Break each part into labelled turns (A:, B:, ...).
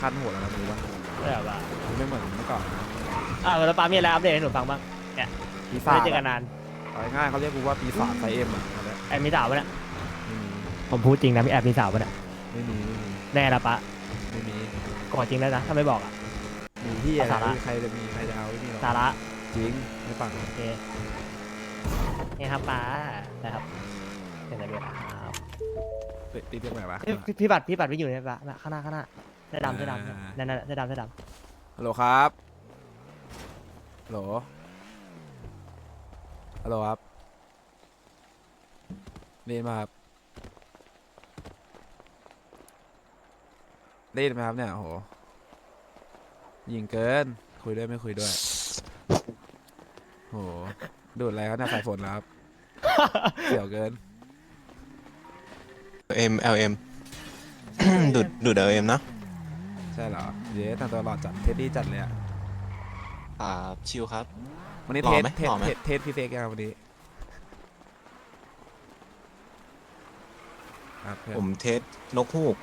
A: คันหัวแล้วนะมึงรู้ปะ
B: ใช่ป่ะ
A: มันไม่เหมือนเมื่อก่อนนะ
B: แล้วป้ามีอะไรอัปเดตให้หนูฟังบ้างเนี่ย
A: ปี
B: ไม่
A: ศาจ
B: ได้เจอกันนาน
A: เอาง่ายๆเขาเรียกกูว่าปีศาจไซเอ็มอ่ะเอาละ
B: แอบมีสาวปะเนี่ย
A: ไม่มี
B: ผมพูดจริงนะพี่แอบมีสาวปะเนี่ย
A: ไม่มี
B: แน่ละปะ
A: ไม่มี
B: ก่อนจริงแล้วนะถ้าไม่บอกอ่ะ
A: มีที่อะไร
B: สาระ
A: ใครจะมีใครจะเอาไอ้นี่หรอ
B: สาระ
A: จริงไม่ปัง
B: โอเคนี่ครับป้านะครับเห็นอะไรด้วยครับ
A: ตีเรียกไหนวะ
B: พี่บัตรไม่อยู่เนี่ยปะข้างหน้าเสื้อดำนั่นเสื้อดำ
A: ฮัลโหลครับฮัลโหลฮัลโหลครับได้ยินไหมครับได้ยินไหมครับเนี่ยโอ้โหยิงเกินคุยด้วยไม่คุยด้วยโหดูดอะไรครับเนี่ยสายฝนแล้วครับเสี่ยวเกิน
C: LM ดูด LM นะ
A: ใช่เหรอเย้ทำตัวหล่อจัดเทสดี้จัดเลยอ่ะ
C: ชิลครับ
A: วันนี้
C: หล่
A: เท
C: อ
A: ส
C: ไหม
A: เทส
C: หล่อไหม
A: เทสพี่เฟกยังวันนี้ครับเพื่อน
C: ผมเทสนกฮูก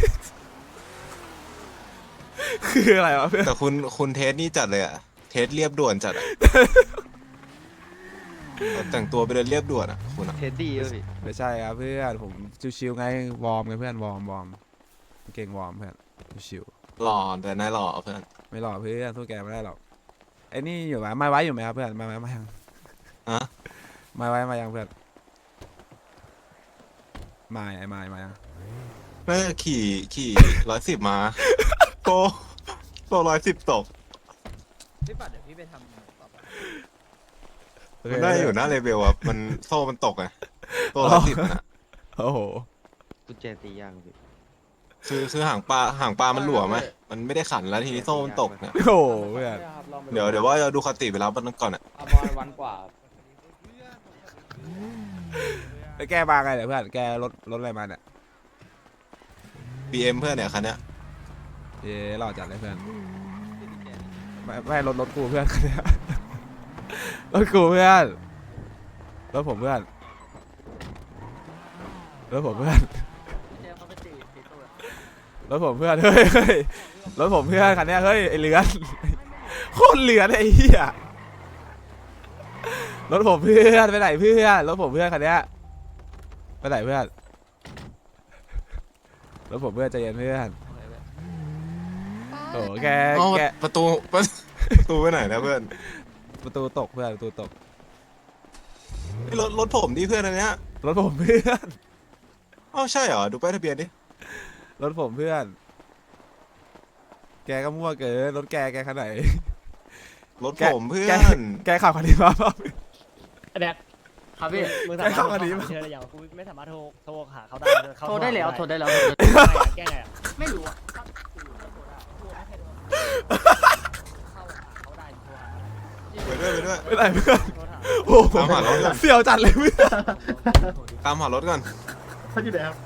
A: คืออะไรวะเพื่อน
C: แต่คุณเทสนี่จัดเลยอะเทสเรียบด่วนจัดอะแต่งตัวไปเดินเรียบด่วนอะคุณอะ
D: เท็ดดี้ป่ะพี่
A: ไม่ใช่ครับเพื่อนผมชิวๆไงวอร์มไงเพื่อนวอร์มเก่งวอร์มเพื่อนชิว
C: หล่อแต่นายหล่อเพื่อน
A: ๆไม่หล่อเพื่อนสู้แกไม่ได้หรอกไอ้นี่อยู่ไหมไม่ไว้อยู่ไหมครับเพื่อนไม่ยัง
C: อะ
A: ไม่ไว้มายังเพื่อนไม่ไอ้ไม่มายัง
C: น่าจะขี่110 มาโต110 ตก
D: พี่ปัดเดี๋ยวพี่ไปทำต่อไป
C: มันได้อยู่หน้าเลเวลอะมันโซ่มันตกไงโต110นะ
A: โอ้โห
D: กุญแจตีย่างพี่
C: คือหางปลามันหลวมไหมมันไม่ได้ขันแล้วทีนี้โซ่มันตกเนี่ย
A: โอ้โหเพื่อน
C: เดี๋ยวว่าจะดูคติไปแล้วมันก่อนอะ
D: บอลวันกว่า
A: แล้วแกมาไงเนี่ยเพื่อนแกรถอะไรมาเนี่ย
C: BM เพื่อนเนี่ยคันเนี้ย
A: เย้หล่อจัดเลยเพื่อนไม่รถกูเพื่อน รถกูเพื่อนรถผมเพื่อนรถผมเพื่อนรถผมเพื่อนเฮ้ยรถผมเพื่อนคันเนี้ยเฮ้ยไอเลือนโคตรเลือนไอ้เหี้ยรถผมเพื่อนไปไหนเพื่อนรถผมเพื่อนคันเนี้ยไปไหนเพื่อนรถผมเพื่อนใจเย็นเพื่อนโอ้แก
C: อ๋อ
A: แก
C: ประตูไปไหนนะเพื่อน
A: ประตูตกเพื่อนประตูตก
C: นี่รถผมดิเพื่อนอันเนี้ย
A: รถผมเพื่อน
C: อ้าวใช่เหรอดูป้ายทะเบียนดิ
A: รถผมเพื่อน แกก็มั่วเกินรถแกขนาดไหน
C: รถผมเพื่อ
A: แก
C: น
A: แกขับคันนี้มาเปล่า
B: ไอ้แบก
D: ครับพี่
B: มึงสามารถ
A: เข้ามาดีมั้ย
B: เชื่อได้ยังกูไม่สามารถโทรหาเขาได้
D: โทรได้แล้วโทรได้แล้ว
B: แก้ไงอะ
D: ไม่รู้อะ
C: ไปด้วย
A: ไม่ไหนเพื่อนโอ้โห
C: ตามหารถก่อน
A: เสี่ยวจัดเลยเพื่อน
C: ตามหารถก่อน
D: เขาอยู่ไหนครับ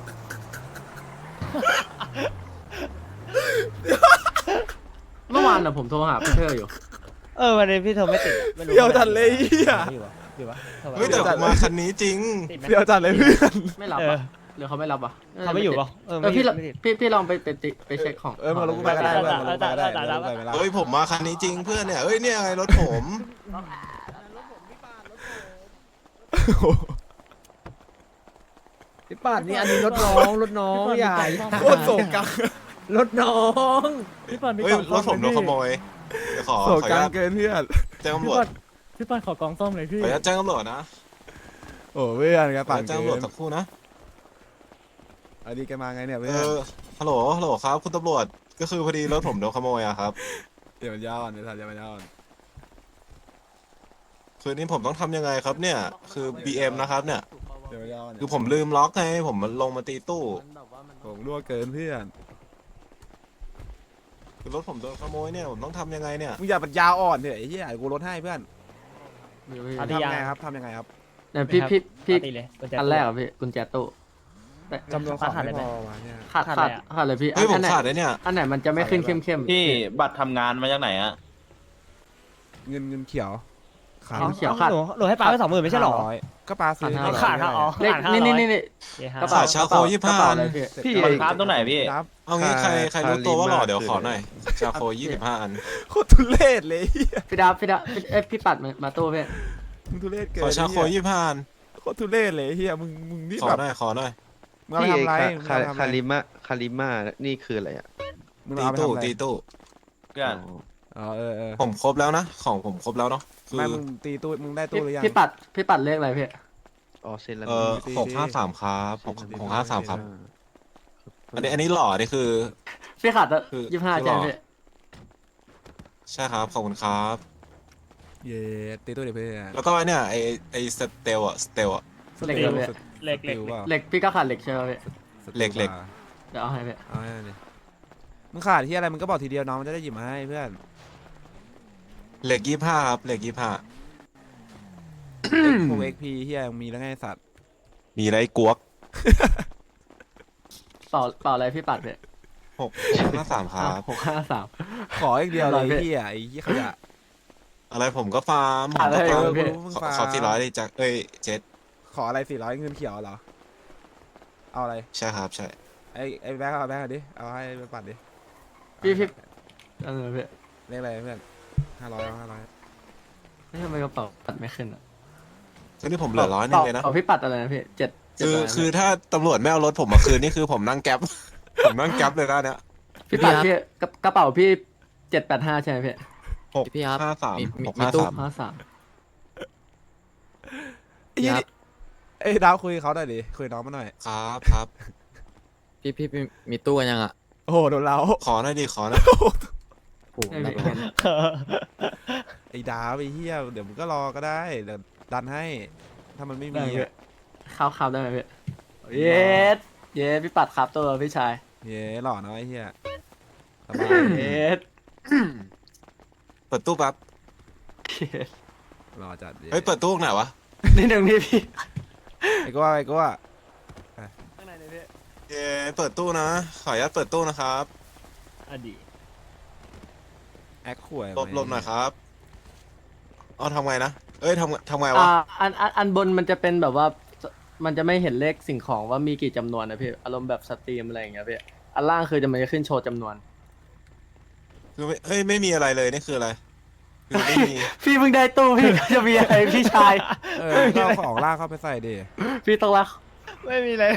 D: เมื่อวานน่ะผมโทรหาเพื่อนอยู่
B: วันนี้พี่โทรไม่ติดไม่รู้
A: เสี่ยวจัดเลยเฮีย
B: อยู่วะ
C: เฮ้ยแต่ผมมาคันนี้จริง
B: ติดไหม
A: เสี่ยวจัดเลยเพื่อน
D: ไม่รับอ่ะหรือเขาไม่รับอ่ะ
B: เขาไม่อยู่ปะ
D: พี่ลองไปเช็คของ
A: มาลงกูไปก็ได้เพื่อนมาลงกูไปก็ได้มาลงกูไปไม่ได้
C: เฮ้ยผมมาคันนี้จริงเพื่อนเนี่ยเฮ้ยเนี่ยไงรถผม
E: พี่ปัดนี่อันนี้รถน้องใหญ่
A: โคตรโศกกัง
E: รถน้อง
B: พี่ปัน
C: เฮ้ยรถผมโดนขโมยเดี๋ยวขอ
A: โศ
C: อก นุ
A: กั
C: ญาง ต
A: เกินเพื่อน
C: แจ้งตำรวจ
B: พี่ปันขอกองส้มเลยพี่
C: ขออนุญาตแจ้งตำรวจนะ
A: โอ้เพื่อนแก
C: ขอ
A: ปั่
C: อน นุญาตแจ้ง
A: เกิ
C: ตำรวจ
A: น
C: สักครู่นะ
A: อันนี้แกมาไงเนี่ยเพื่อน
C: ฮัลโหลครับคุณตำรวจก็คือพอดีรถผมโดนขโมยอะครับ
A: เดี๋ยวมันยาวอ่อนเดี๋ยวทันเดี๋ยวมันยาวอ่อน
C: คือนี้ผมต้องทำยังไงครับเนี่ยคือ BM นะครับเนี่ย
A: เดี๋ยวมันยาวอ่อน
C: คือผมลืมล็อกไงผมมันลงมาตีตู้
A: ผมรั่วเกินเพื่อน
C: คือรถผมโดนขโมยเนี่ยผมต้องทำยังไงเนี่ย
A: มึงอย่าปัญญาอ่อนเถอะไอ้เหี้ยกูลดให้เพื่อน
B: อ่ะ
A: ทำไงครับทำยังไงครับ
D: เนี่ยพี่
B: ตีเลย
D: อันแรกอ่ะพี่กุญแจตู้
A: จำนวนของไม่พอวะเนี่ย
D: ขาดเลยพี่
C: เฮ้ยผม
D: ไหน
C: ขาดเลยเนี่ย
D: อันไหนมันจะไม่ขึ้นเข้ม
F: พี่บัตรทำงานมาจากไหนอะ
A: เงินเขียวขาด
D: เขียวขาด
B: หนูให้ป้าไป20,000ไม่ใช่หรอ
A: 500ก็ปลาซื้อ
D: ขาด
B: ขาดครับอ๋อ
D: เลขนี่
C: กระเป๋าชาโค25
D: กระเป๋าอะไรพี่
F: พี่
A: มัน
F: ครับตรงไหนพี่
A: นับ
C: เอางี้ใครรู้ตัวว่าหล่อเดี๋ยวขอหน่อยชาโค25 อัน
A: โคตรทุเรศเลยเหี้ย
D: พี่ดับพี่ปัดมาตู้พี่
A: มึงทุเรศเกิน
C: ขอชาโค
A: เหี้ย
C: 25 อัน
A: โคตรทุเรศเลยเฮียมึงนี่
C: ขอ
A: แบบ
C: หน่อยขอหน่อย
A: มึงเอาไปทำอะไรมึงเอาไปทำอะไร
F: คาริมานี่คืออะไรอ่ะ
A: มึง
C: ตี
A: เอาไป
C: ตู้
A: ทำอะไร
C: ตีตู้
F: เพื่อน
A: อ๋อเออ
C: ผมครบแล้วนะของผมครบแล้วเนาะคือ
A: ไม่มึงตีตู้มึงได้ตู้หรือยัง
D: พี่ปัดเลขอะไรพี่
F: อ๋อเซนลา
C: 653ครับ653ครับ อันนี้หล่อนี่คือ
D: พี่ขาด
C: คือ
D: 25ใช่ไหมพี่
C: ใช่ครับขอบคุณครับ
A: เย้ตีตู้เดี๋ยวเพื่อน
C: แล้วก็เนี่ยไอสเตลอะ
D: เหล็กเลยพี่
B: เล็ก
A: ติวเปล่า
D: เหล็กพี่ก็ขาดเหล็กใช่ไหมพี่
C: เหล็ก
D: เดี๋ยวเอาให้พี่
A: เอาให้ดิมึงขาดที่อะไรมึงก็บอกทีเดียวน้องมันจะได้หยิบมาให้เพื่อน
C: เหล็ก25ครับเหล็ก25
A: พวกเอ็กพีเฮียยังมีแล้วไงสัตว์
C: มีไรกวก
D: เปล่าอะไรพี่ปัดพี่
C: 653ครับ
D: 653
A: ขออีกเดียวเลย
D: อะไรพี่
A: เฮียไอ้เฮียขยะ
C: อะไรผมก็ฟาร์มผม
D: อะไร
C: ก็ฟาร์ม
D: พี่
A: มึง
C: ขอ
A: ฟาร์ม
C: ขอ400เลยจากเจ็ด
A: ขออะไร400เงินเขียวเหรอเอาอะไร
C: ใช่ครับใช่
A: ไอ้แบงค์เอาแบงค์เอาดิเอาให้ไปปัดดิ
D: พี่พี่พี่
A: เรียกอะไรเพื่อน500เอา500
D: ไม่ทำไมกระเป๋าปัดไม่ขึ้นอ่ะ
C: ก็นี่ผมเหลือ100นึงเลยนะ
D: พี่ปัดอะไรนะพี่7
C: คือถ้าตำรวจไม่เอารถผมมาคืนนี่คือผมนั่งแก๊ป ผมนั่งแก๊ปเลยนะเนี่ย
D: พี่ปัดพี่กระเป๋าพี่785ใช่ไหมพี่
F: พี่ครับ
C: 653
F: มีตู้
C: 653
A: ไอ้เหี้ยนี่เอ้ยดาวคุยกับเขาหน่อยดิคุยกับน้องมาหน่อย
C: ครับ
F: พี่มีตู้กันยังอ่ะ
A: โอ้โหโดนเรา
C: ขอหน่อยดิขอหน่อย
F: โอ้โห
D: ไม่
F: รับ
D: เห็น
A: ไอ้ดาวไอ้เหี้ยเดี๋ยวมึงก็รอก็ได้เดี๋ยวดันให้ ถ้ามันไม่มีอะ
D: ข้าวได้ไหมพี่เย็ดพี่ปัดครับตัวพี่ชาย
A: เย้หล่อเนาะไอ้เหี้ยสบาย
D: เย็ด
C: เปิดตู้แป๊บ
A: หล่อจัด
C: เฮ้ยเปิดตู้ไหนวะ
D: นิดนึงพี่
A: ไอ้ก็ว่าไอ้ก็ว่า
D: ข้างในเลยพี่
C: เย้เปิดตู้นะ ขออนุญาตเปิดตู้นะครับ
B: อดีต
A: แอคข่วย
C: หลบหน่อยครับเอาทำไงนะเอ้ยทำไงวะ
D: อันบนมันจะเป็นแบบว่า มันจะไม่เห็นเลขสิ่งของว่ามีกี่จำนวนนะพี่อารมณ์แบบสตรีมอะไรอย่างเงี้ยพี่อันล่างคือมันจะขึ้นโชว์จำนวน
C: คือไม่มีอะไรเลยนี่คืออะไรคือไม่มี
D: พี่เพิ่งได้ตู้พี่ก็จะมีอะไรพี่ชาย
A: ก็เอาของล่างเข้าไปใส่ดิ
D: พี่ต้องรัก
B: ไม่มีเลย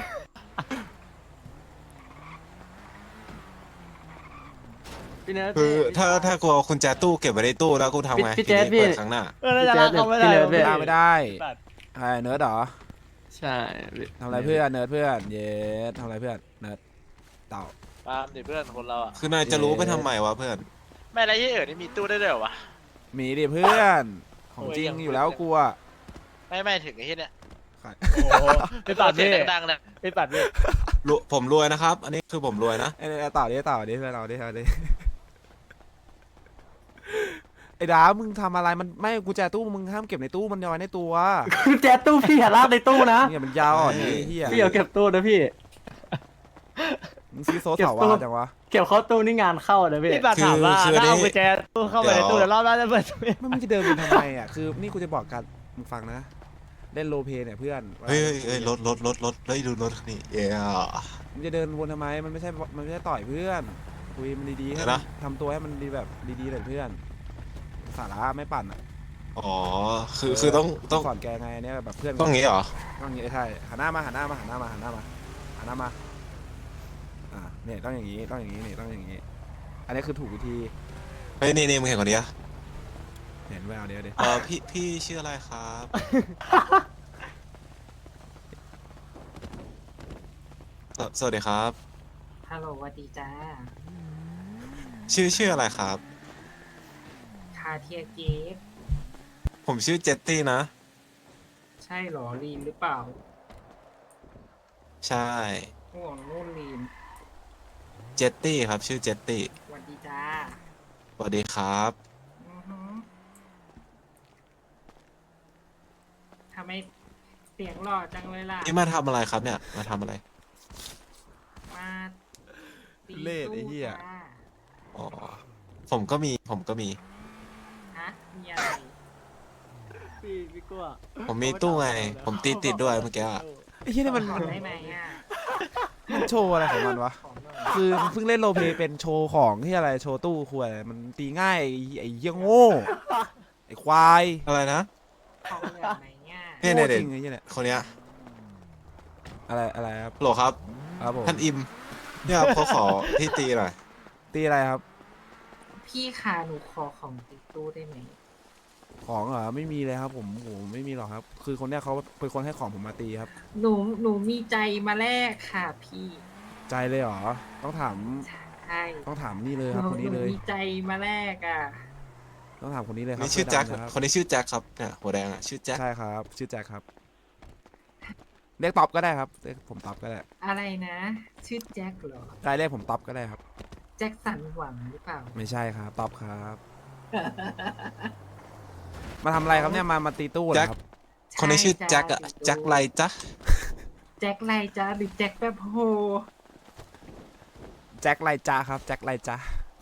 D: พี่เนิร์ด
C: คือถ้ากลัวคุณแจตู้เก็บไว้ในตู้แล้วกูทำไง
D: พี่แจ๊ด
C: ทีนี้เปิด
D: พี่
C: ครั้งหน้า
B: น่าจะลากเขาไม่ได้
D: พี่เนิร์ด
A: ล่างไม่ได้
B: ปัด
A: ใครเนิร์ดเหรอ
D: ใช่พี่
A: ทำอะไรเพื่อนเนิร์ดเพื่อนเย้ทำอะไรเพื่อนเนิร์ดเต่า
G: ปาล์มดิเพื่อนคนเราอ่ะ
C: คือนายจะรู้ไปทำไมวะเพื่อน
G: ไม่อะไรที่นี่มีตู้ได้ด้วยเหรอวะ
A: มีดิเพื่อนของจริงอยู่แล้วกูอะ
G: ไม่ถึงไอ้ที่เนี้ย
B: โอ้โหไปปัด
G: เสี
B: พี่
G: ยงดังๆเนี่ย
B: ไปปัดพี่
C: ผมรวยนะครับ อันนี้คือผมรวยนะ
A: ไอ้เต่าดิเต่าดิเพื่อนเราดิเอาดิไอ้ดามึงทำอะไรมันไม่กูแจตู้มึงห้ามเก็บในตู้มันเอาไว้ในตัว
D: แจ๊ดตู้พี่อย่าลากในตู้นะ
A: เนี่ยมันยาวอ่อนนี่เฮีย
D: พี่อย่าเก็บตู้นะพี่
A: มึงซื้อโซ่เสาวาจังวะ
D: เก็บเข้าตู้นี่งานเข้านะพี่
B: พี่ปัดถามว่าถ้าเอากุญแจตู้เข้าไปในตู้เดี๋ยวรอบหน้าจะเปิดตู้
A: ไม่มึงจะเดินไปทำไมอ่ะคือนี่กูจะบอกกันมึงฟังนะเล่นโรลเพลย์เนี่ยเพื่อน
C: เฮ้ยรถเฮ้ยดูรถนี่เย้
A: มึงจะเดินวนทำไมมันไม่ใช่ต่อยเพื่อนคุยมันดีๆให้
C: เดี๋ยวนะ
A: ทำตัวให้มันดีแบบดีๆเลยเพื่อนสาระไม่ปั่นอ่ะ
C: อ๋อคือต้อง
A: สอนแกไงเนี่ยแบบเพื่อน
C: ต้องงี้เหรอ
A: ต้องอย่างนี้ใช่หันหน้ามาเนี่ยต้องอย่างนี้นี่ต้องอย่างนี้ อันนี้คือถูกวิธี
C: เฮ้ยนี่มึงเห็นคนนี้อะ
A: เห็นแววเดี๋ยว
C: พี่ชื่ออะไรครับ สวัสดีครับ
H: ฮัลโหลสวัสดีจ้า
C: ชื่ออะไรครับ
H: คาเทียเกฟ
C: ผมชื่อเจตตี้นะ
H: ใช่เหรอลีนหรือเปล่า
C: ใช่
H: ห่วงนู่นลีน
C: เจตตี้ครับ ชื่อเจตตี้
H: สวัสดีจ้า
C: สวัสดีครับ
H: อือหือทำไมเสียงหล่อจังเลยล่ะ
C: นี่มาทำอะไรครับเนี่ยมาทำอะไร
H: มาตี
A: เล่ไอ้เหี้ย
H: จ้า
C: อ๋อผมก็มี
H: ฮะมีอะไร
D: พี่กลัว
C: ผมมีตู้ไง ผมตีติดด้วยเมื่อกี้อะ
A: ไอ้เหี้ยนี่มัน
H: ขอได้ไหมอ่ะ
A: มันโชว์อะไรของมันวะ
H: ขอหน่อย
A: คือมันเพิ่งเล่นโรลเพลย์เป็นโชว์ของที่อะไรโชว์ตู้คุยมันตีง่ายไอ้เหี้ยโง่ไอ้ควาย
C: อะไรนะ
H: ของเหลือไหมอ่ะ
C: เนี่ย
A: โง่
C: เนี่ย
A: จริงไอ้เหี้ยเนี่ย
C: คนเนี้ย
A: อะไรครับ
C: โหลครับ
A: ครับผม
C: ท่านอิม เนี่ยครับเขาขอที่ตีหน่อย
A: ตีอะไรครับ
H: พี่ค่ะหนูขอของติดตู้ได้ไหม
A: ของเหรอไม่มีเลยครับผมโหไม่มีหรอกครับ คือคนเนี้ยเขาเป็นคนให้ของผมมาตีครับ
H: หนูมีใจมาแลกค่ะพี่
A: ใจเลยเหรอต้องถาม
H: ใช่
A: ต้องถามนี่เลย
H: ห
A: ครับ
H: นู
A: คนนี้เลย
H: มีใจมาแลกอ่ะ
A: ต้องถามคนนี้เลยครับ
C: นี่ชื่อแจ็ค
A: เสื้ดำะรับ
C: คนนี้ชื่อแจ็คครับ เนี่ยหัวแดงอ่ะ ชื่อแจ็ค
A: ใช่ครับ ชื่อแจ็คครับเรียกต๊อบก็ได้ครับเรียกผมต๊อบก็ได้
H: อะไรนะ ชื่อแจ็คเหรอ
A: ได้เรียกผมต๊อบก็ได้ครับ
H: แจ็คสันหวังหรือเปล่า
A: ไม่ใช่ครับต๊อบครับ มาทำอะไรครับเนี่ยมาตีตู้เหรอครับ
C: คนนี้ชื่อแจ็คอะแจ็คไรจ๊ะ
H: แจ็คไรจ้าหรือแจ็คแบบโฮ
A: แจ็คไรจ้าครับแจ็คไรจ้า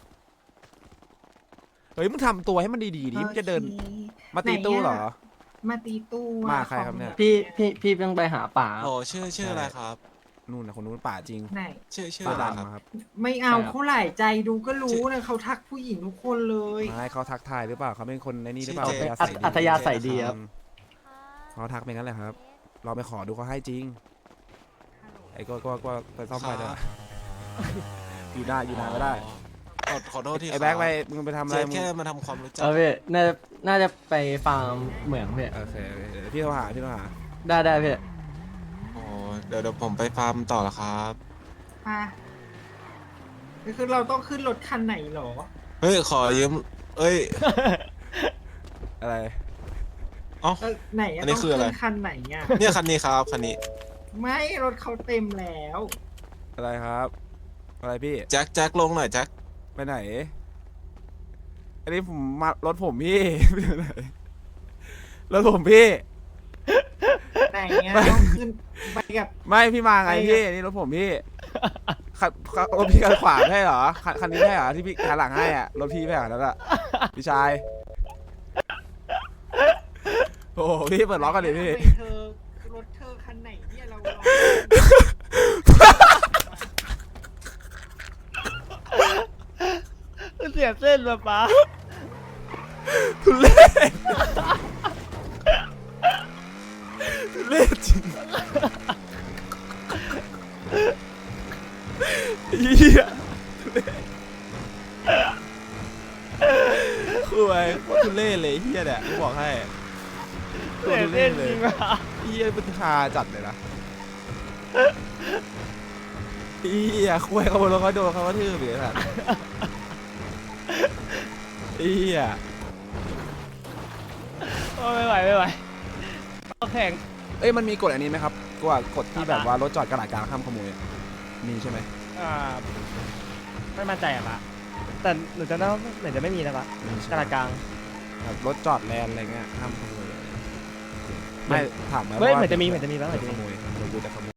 A: เฮ้ยมึงทำตัวให้มันดีๆดิมึงจะเดิน
H: โอเค
A: มาตีตู้เหรอ
H: ไหนอะมาตีตู้อะ
A: มาใครครับเนี่ย
D: พี่ต้องไปหาป่า
C: โหลชื่ออะไรครับ
A: นู่นนะคนนู้นป่าจริง
H: ไหน
C: ชื่อ
A: ป่า
C: อะไรครับ
A: ดำครับ
H: ไม่เอา
D: ใช่ครับ
H: เขาหลายใจดูก็รู้นะเขาทักผู้หญิงทุกคนเลย
A: ไม่เขาทักทายหรือเปล่าเขาเป็นคนในนี่หรือเปล่า
C: ชื่อเจ
D: อัธยาศัยดีครับ
A: เขาทักเป็นงั้นแหละครับเราไปขอดูเขาให้จริงไอ้ก็ไปซ่อมไฟด้วยอยู่ได้อยู่นานไม่ได้
C: ขอโทษที่
A: ไอ้แบ็คไปมึงไปทำอะไร
C: เจ๊
A: มึง
C: แค่มาทำความรู้จัก
D: เออพี่น่าจะไปฟาร์มเหมืองพี่
A: โอเคเดี๋ยวพี่โทรหาพี่โทรหา
D: ได้พี่
C: โอ้เดี๋ยวผมไปฟาร์มต่อละครับ
H: มาคือเราต้องขึ้นรถคันไหนเหรอ
C: เฮ้ย ขอยืม เอ้ย
A: อะไร
C: เอ้า
H: ไหน
C: อันนี้
H: ต้อง
C: คืออะไร
H: ขึ้นคันไหนอ่ะ
C: เนี่ยคันนี้ครับคันนี้
H: ไม่รถเขาเต็มแล้ว
A: อะไรครับ อะไรพี่
C: แจ็คลงหน่อยแจ็ค
A: ไปไหน อันนี้ผมมารถผมพี่ ไปไหนรถผมพี่
H: ไหนอ่ะต้องขึ้นไปกับ
A: ไม่พี่มาไง
H: ไป
A: พี่นี่รถผมพี่คันรถพี่คันขวาไม่ใช่เหรอคันนี้ไม่ใช่เหรอที่พี่คันหลังให้อ่ะรถพี่ไม่ใช่เหรอนั่นอะพี่ชายโอ้โหพี่เปิดล็อกกันดิพี่
H: ไปเธอรถเธอคันไหนเนี่ยเรา
B: เสียเส้นมาป้า
A: ทุเรศทุเรศจริงเหี้ยทุเรศคือไอ้โคตรทุเรศเลยเฮียเนี่ยกูบอกให้
B: เสียเส้นจริงว่ะ
A: เฮียเป็นฮาจัดเลยนะเฮียคุยเขาบนรถเขาโดนเขากระทืบเลยสัตว์เฮีย
B: โอ้ไม่ไหวเอาแข่ง
A: เอ้ยมันมีกฎอันนี้ไหมครับกว่ากฎที่แบบว่ารถจอดกระดาษกลางห้ามขโมยอะมีใช่ไหม
B: ไม่มั่นใจอะปะแต่หนูจะน่าเหมือนจะไม่มีนะปะ
A: มีใช่
B: ก
A: ไหม
B: ระดาษกลาง
A: แบบรถจอดแลนอะไรเงี้ยห้ามขโมยไม่ถามไหม
B: เฮ้ย
A: ว่า
B: เหมือนจะมีบ้าง
A: เดี๋ยวขโมยเดี๋ยวกูจะขโมย